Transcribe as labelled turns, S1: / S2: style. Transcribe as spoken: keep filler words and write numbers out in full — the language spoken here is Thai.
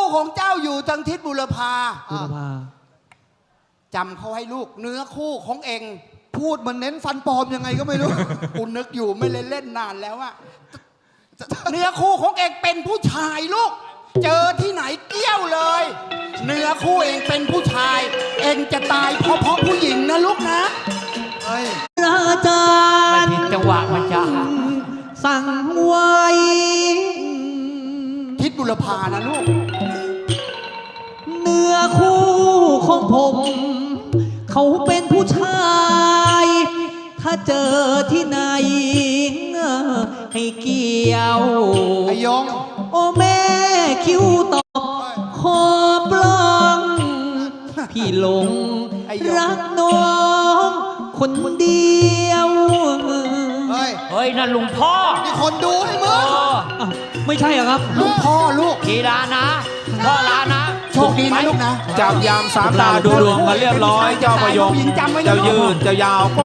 S1: ของเจ้าอยู่ทางทิศบุรพา
S2: บุรพา
S1: จำเขาให้ลูกเนื้อคู่ของเอง
S3: พูดมันเน้นฟันปลอมยังไงก็ไม่รู้
S1: กูนึกอยู่ไม่เล่นเล่นนานแล้วอะเนื้อคู่ของเองเป็นผู้ชายลูกเจอที่ไหนเกี้ยวเลยเนื้อคู่เองเป็นผู้ชาย เองจะตายเพราะเพราะผู้หญิงนะลูกนะ
S2: ราจา
S4: ไม่
S2: ร
S4: ผิดจังหวะมันจะ
S2: สั่งไว้
S1: ทิศบุรพานะลูก
S2: เนื้อคู่ของผม เขาเป็นผู้ชาย ถ้าเจอที่ไหน ให้เกี่ยว
S3: ไอ้ยง
S2: โอ้แม่คิ้วตอบขอปลองพี่หลง
S1: ไอ้ยง
S2: รักน้องคนเดียว
S3: เฮ้ย
S4: เฮ้ยนั่นลุงพ่อ
S3: มีคนดูให้มึ
S4: เอง อ
S2: อ้าวไม่ใช่เหรอครับ
S1: ลูกพ่อลูก
S4: กีฬานะพ่อลานะ
S1: โชคดีนะลูกนะ
S5: จับยามสามตาดูดวงมาเรียบร้อย เจ้าประยง
S1: ผู้หญิงจำไว้นะ
S5: เจ้า
S1: ลูก
S5: ยืนเจ้ายาว